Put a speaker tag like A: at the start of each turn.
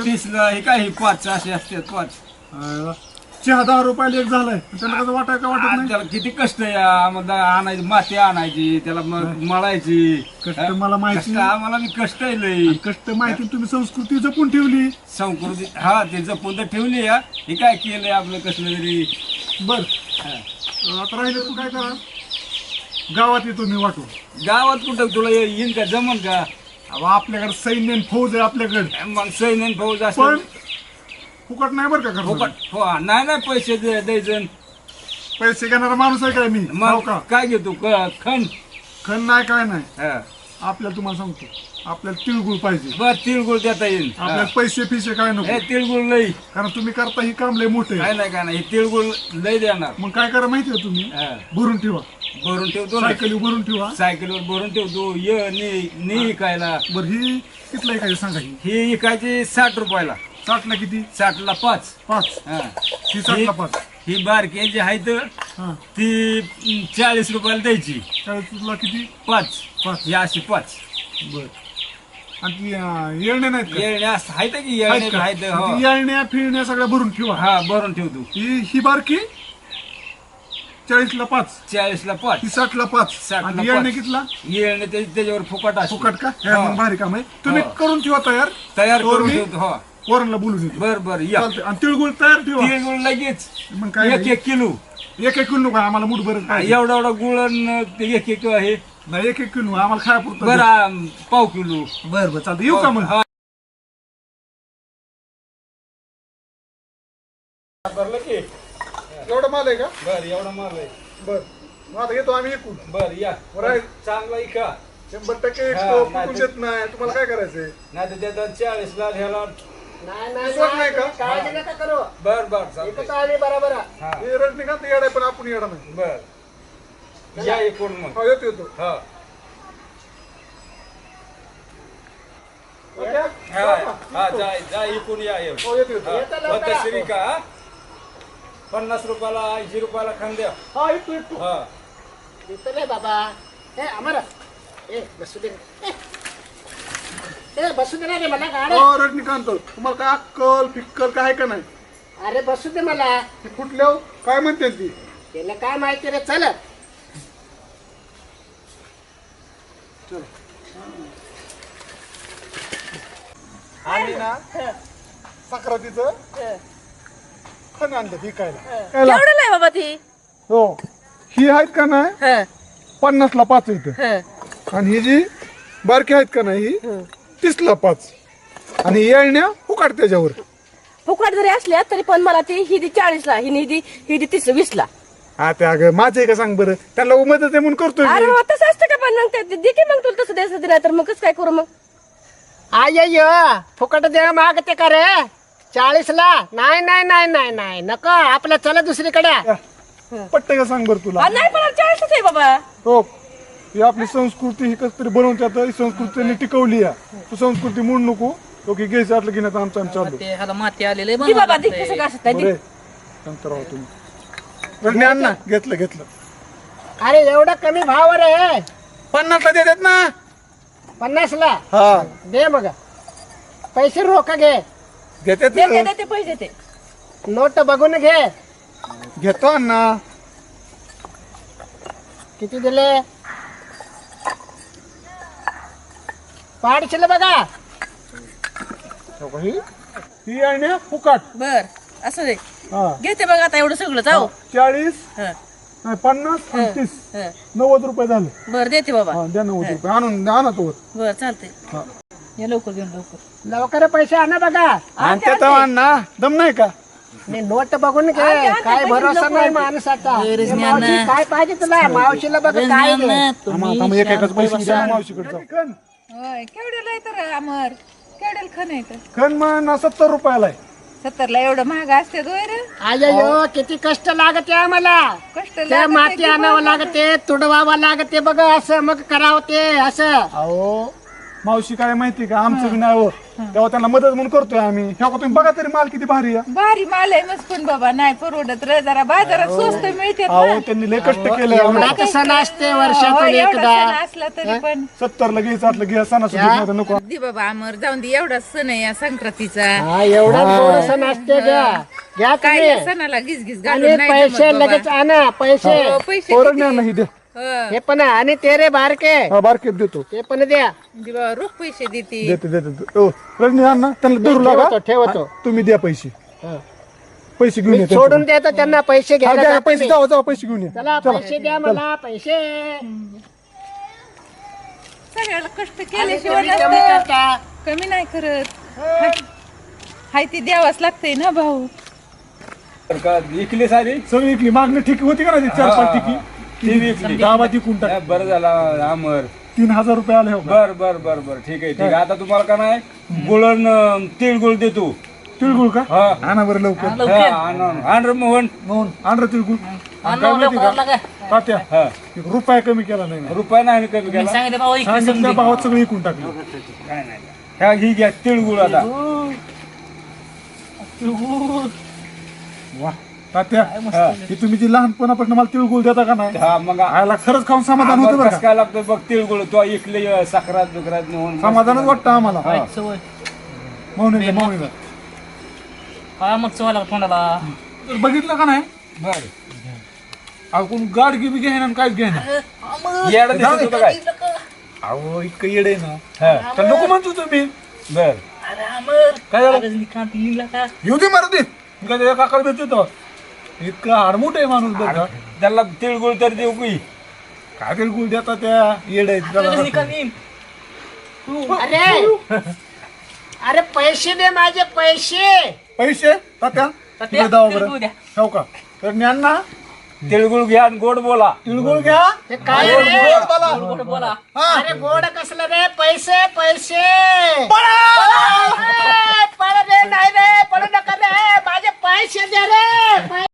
A: 30ला हे काय 5 असे असतात 5.
B: चहा 10 रुपयाला एक झालाय त्यांना कसं वाटाय का वाटत नाही.
A: त्याला किती कष्ट आहे आम्हाला आणायची माती आणायची त्याला मळायची
B: कष्ट मला माहिती.
A: कष्ट आम्हाला मी कष्ट आहे लई.
B: कष्ट माहिती तुम्ही संस्कृती जपून ठेवली.
A: संस्कृती हा ते जपून तर ठेवली या हे काय केलंय आपलं कसलं तरी.
B: बर आता राहिलं तू काय करा गावात येतो मी वाटू.
A: गावात कुठं तुला येईन का जमन का.
B: अहो, आपल्याकडे सैन्य आणि फौज आहे आपल्याकडे.
A: मग सैन्य फौज
B: पण
A: असं
B: फुकट नाही बरं का करणार.
A: फुकट हो नाही पैसे द्यायचं.
B: पैसे घेणारा माणूस आहे काय मी. हो
A: मग
B: का
A: काय घेतो खंड
B: खण नाही काय नाही.
A: हा.
B: आपल्याला तुम्हाला सांगतो आपल्याला तिळगुळ पाहिजे.
A: बर तिळगुळ देता येईल.
B: आपल्याला पैसे फिसे काय नको.
A: हे तिळगुळ लई
B: कारण तुम्ही करता ही काम लय मोठे
A: काय नाही काय नाही हे तिळगुळ लई देणार.
B: मग काय करा माहितीये तुम्ही
A: हा.
B: भरून ठेवा.
A: भरून ठेवतो ना
B: सायकली भरून ठेवा.
A: सायकलवर भरून ठेवतो ये नी इकायला.
B: बर ही कितला काय सांगा ही
A: इकायची 60 रुपयाला.
B: 60ला किती.
A: 60ला 5.
B: 5
A: हा.
B: ही 60ला 5.
A: ही बारकी जी आहे तर
B: हा
A: ती 40 रुपयाला द्यायची.
B: 40ला किती.
A: 5
B: 5
A: ही अशी 5.
B: बर आणि ती येळणे नाहीत का.
A: येण्या आहेत की
B: आहेत
A: येण्या
B: का?
A: आहेत
B: ती येळण्या फिरण्या सगळ्या भरून ठेवा.
A: हा भरून ठेवतो.
B: ही बारकी 40ला 5.
A: 40ला 5.
B: ही 60ला 5.
A: 60ला
B: आणि येळणे
A: 5.
B: कितला.
A: येणे त्याच्यावर फुकट असतो.
B: फुकट का. हे
A: हा.
B: मग भारी काम आहे. तुम्ही
A: हा.
B: करून ठेवा तयार.
A: तयार
B: तोवर
A: करून
B: मी
A: ठेवतो. हो
B: पोरांना बोलून येतो.
A: बर बर या.
B: चालतंय. आणि तिळगुळ तयार ठेवा.
A: तिळगुळ लगेच
B: मग काय
A: 1 किलो.
B: एक किलो नको आम्हाला मूठ भरत पाहिजे.
A: एवढा एवढा गुळ आणि ते 1 किलो आहे.
B: नाही 1 किलो आम्हाला खायापुरतं.
A: बरं पाव किलो.
B: बर बर चालतं. येऊ का मग.
A: हा. भरलं की
B: एवढा माल आहे का.
A: बर एवढा माल आहे.
B: बर मग आता येतो आम्ही एकूण.
A: बर या
B: बरं.
A: चांगला इका
B: 100%
A: हा,
B: तो
A: नाही
B: फुकून
A: ते-
B: देत नाही. तुम्हाला काय करायचंय.
A: नाही तर त्याचा 40ला घ्यायला.
B: विश्वास नाही का.
C: काळजी नका करू.
A: बर बर
C: इथं
A: चालतंय.
C: तर आम्ही बरोबर आहे.
A: हा
B: हे रजनीकांत येडा आहे पण आपण येडा नाही.
A: बर या एकूण मग.
B: हो येतो येतो.
A: हा
B: ओके?
A: हा जा एकूण या येऊ.
B: हो येतो येतो.
C: येतं लवकर.
A: पद्धतशीर का 50 रुपयाला 80 रुपयाला खांद्या.
B: हा येतो येतो.
A: हा
C: इथं नाही बाबा. ए अमर ए बसू दे. ए बसू दे ना रे मला गाडी.
B: हो रजनीकांत तुम्हाला काय अक्कल फिक्कल काय आहे का नाही.
C: अरे बसू दे मला.
B: ती कुठल्या काय म्हणते ती.
C: त्याला काय माहिती रे. चल
B: चल
A: आणि ना
B: सक्रातीचं खण आणलं विकायला.
D: केवढं आहे बाबा ती.
B: हो ही आहेत का नाही 50ला 5 इथं. आणि ही जी बारकी आहेत का नाही ही 30ला 5. आणि येळण्या फुकाट त्याच्यावर.
D: फुकट जरी असल्या तरी पण मला ती ही दी 40ला ही दी 20ला.
B: हा ते अगं माझं आहे का सांग बरं. त्याला मदत आहे म्हणून करतोय
D: अरे
B: मी.
D: मग तसं असतं का पण मग ते दे की मग तुला तसं द्यायचं नाही तर मग कसं काय करू मग.
C: आय फुकट दे मागते का रे. 40ला नाही नाही नाही नाही नाही नको आपलं चला दुसरीकडे.
B: पटतं का सांग बरं तुला.
D: नाही पण 40च आहे बाबा.
B: हो ही आपली संस्कृती ही कसं तरी बनवतात. ही संस्कृती त्यांनी टिकवली आहे. तू संस्कृती म्हणू नको. तो की घ्यायचं आटलं की नाही तर आमचं आम्ही चाललो.
E: ते ह्याला माती आलेले
D: दी बाबा दी कसं काय असत
B: बरे नंतर राहू तुम्ही. रजनी आण ना. घेतलं घेतलं.
C: अरे एवढा कमी भाव रे.
B: 50ला देतात ना.
C: 50ला
B: हा
C: दे मग. पैसे रोख घे.
B: घेतात
D: दे
B: ना.
D: दे ते पैसे ते.
C: नोट बघून घे.
B: घेतो अण्णा.
C: किती दिले. पाडशील बघा.
B: हो ही ही येळण्या फुकाट.
D: बर असं दे
B: हा
D: घेते बघ आता एवढं सगळं जाऊ.
B: 40
D: हं,
B: नाही 50 आणि 30
D: हं.
B: 90 रुपये झाले.
D: बर देते बाबा.
B: हा द्या 90 रुपये आणून आणा तो.
D: बर चालते.
B: हा
D: या लवकर घेऊन लवकर.
C: लवकर पैसे आणा बघा.
B: आणते तर अण्णा दम नाही का.
C: मी नोट बघून घे. काय भरोसा नाही माणसाचा.
E: रजनी
C: मावशी,
E: अण्णा.
C: काय पाहिजे तुला. मावशीला बघ काय दे.
B: आम्हाला एकाच पैसे द्या मावशीकडे जाऊ.
F: केवढ्याला आहे तर अमर केवढ्याला खण आहे तर
B: खण मग 70 रुपयाला आहे.
F: 70ला एवढं महाग असते दोय रे.
C: आयो किती कष्ट लागते आम्हाला.
F: कष्ट
C: त्या
F: लागते
C: माती
F: की
C: आणावं
F: बघ.
C: लागते तुडवावं लागते बघ. असं मग करावं ते असं.
B: अहो मावशी काय माहिती का आमचं बी नाही हो तेव्हा त्यांना मदत म्हणून करतोय आम्ही ह्या का तुम्ही बघा तरी माल किती भारी आहे
F: भारी माल आहे मस्त पण बाबा नाही परवडत रे जरा बाजारात स्वस्त मिळते
B: अहो त्यांनी लय कष्ट केले
C: एवढा कसं नसते वर्षातून एकदा
F: असला तरी पण
B: 70 ला घ्यायचं आतलं घ्या सणासुदीत नको
F: दे बाबा अमर जाऊन दे एवढा सण आहे या संक्रांतीचा
C: हा एवढा थोडस नसते घ्या
F: काय
C: तुम्ही
F: या सणाला गिसगिस
C: आणि
F: घालून नाही
C: पैसे
F: जमत बाबा.
C: लगेच आणा पैसे
F: हो, पैसे
B: पोरं
F: किती?
B: न्या नाही द्या
F: हो.
C: हे पण आणि ते रे बारके
B: हा बारकेत देतो
C: ते पण द्या
F: दे बाबा रोख पैसे देते
B: देते देते ओ रजनी अण्णा त्यांना धरू लागा
C: ठेवतो
B: तुम्ही द्या पैसे
C: हा.
B: पैसे घेऊन या
C: सोडून देतो त्यांना पैसे
B: हा,
C: घ्यायला
B: द्या,
C: जातो
B: पैसे
C: मी.
B: जावा जावा पैसे घेऊन या
C: चला पैसे द्या मला पैसे
F: सगळ्याला कष्ट
C: आणि
F: केल्याशिवाय
C: तुम्ही कमी
F: नसतं.
C: करता.
F: कमी नाही करत हाय ती द्यावाच लागतंय ना भाऊ
A: तर का विकली सारी
B: सगळी इकली मागणी ठीक होती का ना ती 4-5 टिकी
A: ती विकली
B: गावात विकून टाक
A: हा, बरं झाला अमर
B: 3000 रुपये आले हो का?
A: बर बर बर बर ठीक आहे ठीक आहे आता तुम्हाला का नाही गुळ तिळगुळ देतो
B: तिळगुळ का
A: हा
B: आणा बरं लवकर
A: हा, आण रे मोहन
B: म्हणून आण रे तिळगुळ आणि काय माहिती का तात्या
A: हा
B: एक रुपया कमी केला नाही मी.
A: रुपया नाही कमी केला
B: सांगितल्या भावात सगळं विकून टाकलं
A: काय नाही ह्या ही घ्या तिळगुळ आता
B: वा तात्या
A: हा.
B: की तुम्ही जी लहानपणापासून मला तिळगुळ देता का नाही
A: हा मग
B: आयला खरंच खाऊन समाधान होतं बरं
A: कसं
B: का
A: काय लागतं बघ तिळगुळ तो इकले साखरात बिकरात मोहन
B: समाधानच वाटतं आम्हाला मौनीला
E: काय मग चव्हायला तोंडाला
B: तर बघितलं का नाही
A: बर
B: अहो कोण गाड गिबी घेईना आणि काहीच घेईना
A: येडं दिसत होतं काय
B: अहो इतकं येड आहे ना
A: हा
B: तर नको म्हणतो तुम्ही
A: बर
E: अरे अमर
B: काय झालं
E: कांती निघला का
B: येऊ दे मारू दे मी काय काकाला भेटतो इतका आडमोठ आहे माणूस बघा
A: त्याला तिळगुळ तर देऊ की
B: काय तिळगुळ देता त्या येड आहेत त्याला.
E: निघाली
C: अरे अरे पैसे दे माझे पैसे
B: पैसे तात्या तिकडे जाऊ बरं
E: तिळगुळ द्या.
B: हो का तर ज्ञान ना
A: तिळगुळ घ्या आणि गोड बोला
B: तिळगुळ घ्या
C: हे काय रे
B: गोड बोला.
E: गोड बोला
C: अरे गोड कसलं रे पैसे पैसे पळ रे